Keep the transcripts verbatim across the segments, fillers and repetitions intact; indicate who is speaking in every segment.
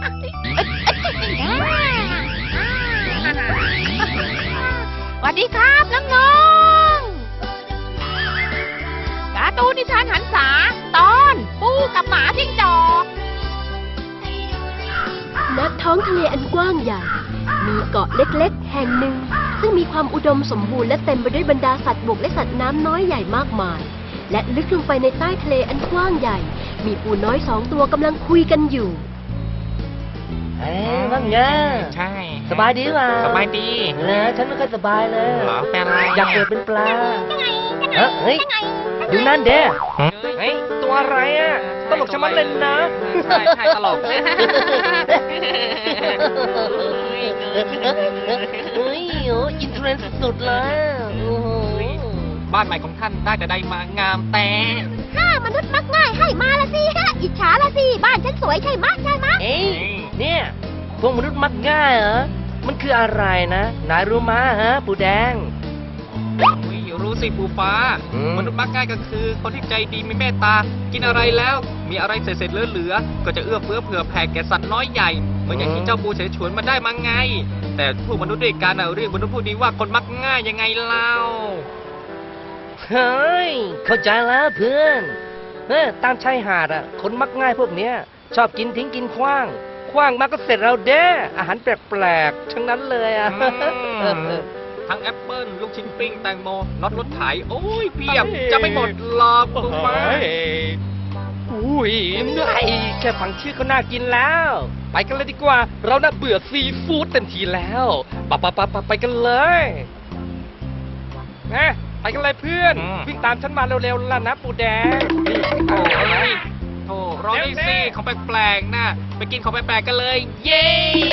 Speaker 1: สวัสดีครับน้องๆการ์ตูนนิทานหันษาตอนปูกับหมาจิ้งจอก
Speaker 2: ณท้องทะเลอันกว้างใหญ่มีเกาะเล็กๆแห่งหนึ่งซึ่งมีความอุดมสมบูรณ์และเต็มไปด้วยบรรดาสัตว์บกและสัตว์น้ำน้อยใหญ่มากมายและลึกลงไปในใต้ทะเลอันกว้างใหญ่มีปูน้อยสองตัวกำลังคุยกันอยู่
Speaker 3: เอ้ยว่าไง
Speaker 4: ใช่
Speaker 3: สบายดีป่ะ
Speaker 4: สบายดี
Speaker 3: เหรอฉันไม่ค่อยสบายเลย
Speaker 4: เหรอเป็นอะไร
Speaker 3: อยากเกิดเป็นปลาเฮ้ยเฮ้ยดูนั่นเด้เฮ้ยตัวอะไรอ่ะตลกชะมัดเลยนะ
Speaker 4: ใช่ใช่ตลก
Speaker 3: เฮ้ยโอ้อินเทรนด์สุดๆเลย
Speaker 4: บ้านใหม่ของท่านได้แต่ได้มางามแต่
Speaker 1: ถ้ามนุษย์มักง่ายให้มาละสิฮะอิจฉาละสิบ้านฉันสวยใช่ไหมใช่ไหม
Speaker 3: เอ้ยเนี่ยพวกมนุษย์มักง่ายเหรอมันคืออะไรนะนายรู้มาฮะปูแดง
Speaker 4: รู้สิปูฟ้ามนุษย์มักง่ายก็คือคนที่ใจดีมีเมตตากินอะไรแล้วมีอะไรเศษๆเหลือๆก็จะเอื้อเฟื้อเผื่อแผ่แก่สัตว์น้อยใหญ่เหมือนอย่างที่เจ้าปูเฉยฉวนมาได้มาไงแต่พวกมนุษย์ด้วยกันเรียกมนุษย์พวกนี้ว่าคนมักง่ายยังไงเล่า
Speaker 3: เฮ้ยเข้าใจแล้วเพื่อนเฮ้ยตามชายหาดอ่ะคนมักง่ายพวกเนี้ยชอบกินทิ้งกินขว้างขว้างมาก็เสร็จเราเด้อาหารแปลกๆทั้งนั้นเลยอ่ะ
Speaker 4: ทั้งแอปเปิ้ลลูกชิ้นปิ้งแตงโมน็อตรถไถโอ้ยเพียบจะไม่หมดหรอกปูฟ้า
Speaker 3: อุ้ยเหนื่อยแค่ฟังชื่อก็น่ากินแล้วไปกันเลยดีกว่าเราน่าเบื่อซีฟู้ดเต็มทีแล้วปะปะปะปะไปกันเลยนะไปกันเลยเพื่อนวิ่งตามฉันมาเร็วๆล่ะนะปูแดง
Speaker 4: โอ้ยโอ้รอได้สิของแปลกๆนะไปกินของแปลกๆกันเลยเย้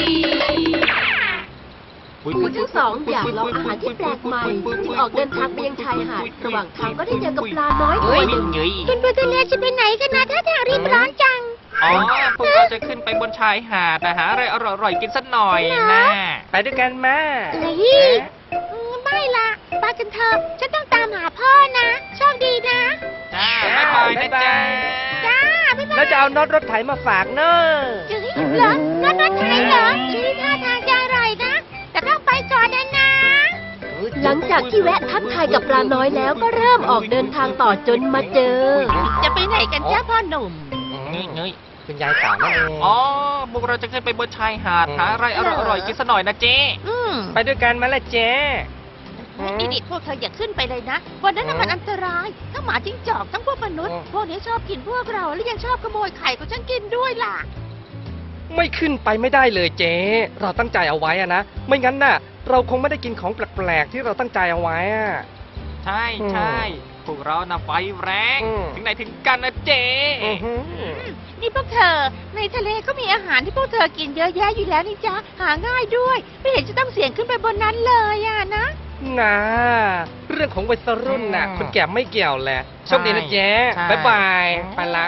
Speaker 2: ปูทั้งสองอยากลองอาหารที่แปลกใหม่จึงออกเดินทางไปยังชายหาดระหว่างทางก็ได้เจอกับปลาน้อยตัวหนึ่ง
Speaker 1: เป็นปลาทะเลจะไปไหนกันนะถ้าทางรีบร้อนจัง
Speaker 4: อ๋อพวกเราจะขึ้นไปบนชายหาดนะหาอะไรอร่อยๆกินสักหน่อยนะ
Speaker 3: ไปด้วยกันแม่
Speaker 1: เฮ้ยไม่ละไปกันเถอะฉันต้องตามหาพ่อนะโชคดีนะ
Speaker 4: จ้าบ๊ายบายนะจ๊ะ
Speaker 1: จ้าบ๊ายบาย
Speaker 3: แล้วจะเอาน็อตรถไถมาฝากเนอะ
Speaker 1: จื้อเหรอน็อตรถไถเหรอชื่อท่าทางจะอร่อยนะแต่ต้องไปก่อนนะนะ
Speaker 2: หลังจากที่แวะทักทายกับปลาน้อยแล้วก็เริ่มออกเดินทางต่อจนมาเจอ
Speaker 1: จะไปไหนกันจ้าพ่อหนุ่ม
Speaker 4: นี่เงย
Speaker 3: คุณยายสาวนั่นเอง
Speaker 4: อ๋อพวกเราจะขึ้นไปบนชายหาดหาอะไรอร่อยๆกินสักหน่อยนะเจ๊
Speaker 3: ไปด้วยกันมาละเจ๊
Speaker 1: นี่นี่พวกเธออย่าขึ้นไปเลยนะวันนั้นมันอันตรายทั้งหมาจิ้งจอกทั้งพวกมนุษย์พวกนี้ชอบกินพวกเราและยังชอบขโมยไข่ของฉันกินด้วยล่ะ
Speaker 3: ไม่ขึ้นไปไม่ได้เลยเจ๊เราตั้งใจเอาไว้อะนะไม่งั้นน่ะเราคงไม่ได้กินของแปลกๆที่เราตั้งใจเอาไว้อะ
Speaker 4: ใช่ใช่พวกเราน่ะไฟแรงถึงไหนถึงกันนะเจ๊
Speaker 1: นี่พวกเธอในทะเลก็มีอาหารที่พวกเธอกินเยอะแยะอยู่แล้วนี่จ๊ะหาง่ายด้วยไม่เห็นจะต้องเสี่ยงขึ้นไปบนนั้นเลยอะนะ
Speaker 3: นะเรื่องของวัยรุ่นน่ะคนแก่ไม่เกี่ยวแหละโชคดีนะเจ๊บ๊ายบายไปละ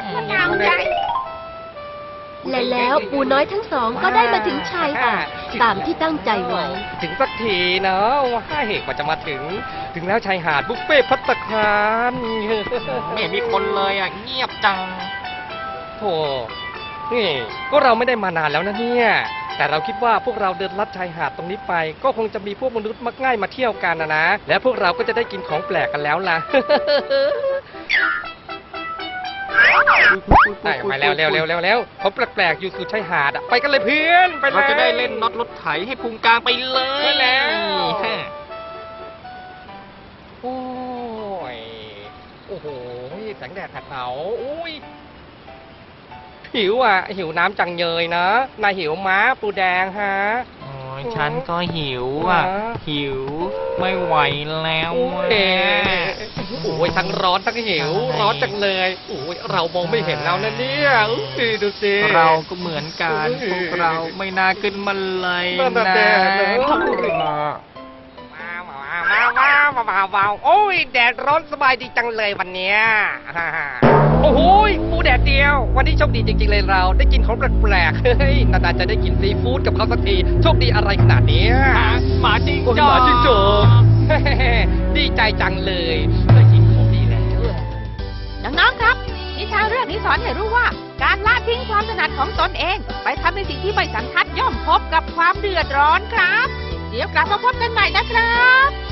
Speaker 2: และแล้วปูน้อยทั้งสองก็ได้มาถึงชายหาดตามที่ตั้งใจไว้
Speaker 3: ถึงสักทีเนาะว่าเหตุกว่าจะมาถึงถึงแล้วชายหาดบุฟเฟ่ภัตตาคาร
Speaker 4: ไม่มีคนเลยอ่ะเงียบจัง
Speaker 3: โธ่นี่ก็เราไม่ได้มานานแล้วนะเนี่ยแต่เราคิดว่าพวกเราเดินลัดชายหาดตรงนี้ไปก็คงจะมีพวกมนุษย์มักง่ายมาเที่ยวกันนะนะและพวกเราก็จะได้กินของแปลกกันแล้วล่ะไปมาแล้วเร็วเร็วเร็วเร็วเขาแปลกๆอยู่สู่ชายหาดอ่ะไปกันเลยเพื่อนไป
Speaker 4: เราจะได้เล่นน็อตรถไถให้พุงกลางไปเลยแล้ว
Speaker 3: โอ้ยโอ้โหแสงแดดแผดเผาอุ้ยหิวอ่ะหิวน้ำจังเยยนะนายหิวม้าปูแดงฮะ
Speaker 4: ฉันก็หิวอ่ะหิวไม่ไหวแล้ว
Speaker 3: เอ๊ะโอ้ยทั้งร้อนทั้งหิวร้อนจังเลยโอ้ยเรามองไม่เห็นแล้วนะเนี่ยดูสิ
Speaker 4: เราก็เหมือนกันพวกเราไม่น่าขึ้นมาเลยนะ
Speaker 3: ว้าวว้าวว้าวว้าวว้าวโอ้ยแดดร้อนสบายดีจังเลยวันเนี้ยโอ้โหปูแดดเดียววันนี้โชคดีจริงๆเลยเราได้กินของแปลกๆเฮ้ยนานๆจะได้กินซีฟู้ดกับเขาสักทีโชคดีอะไรขนาดนี้
Speaker 4: หมาจิ้งจอก
Speaker 3: หมาจิ้งจอกดีใจจังเลยได้กินของดีแล้ว
Speaker 1: น้องๆครับนิชาเรื่องนี้สอนให้รู้ว่า การละทิ้งความถนัดของตนเอง ไปทำในสิ่งที่ไม่สันทัดย่อมพบกับความเดือดร้อนครับ เดี๋ยวกลับมาพบกันใหม่นะครับ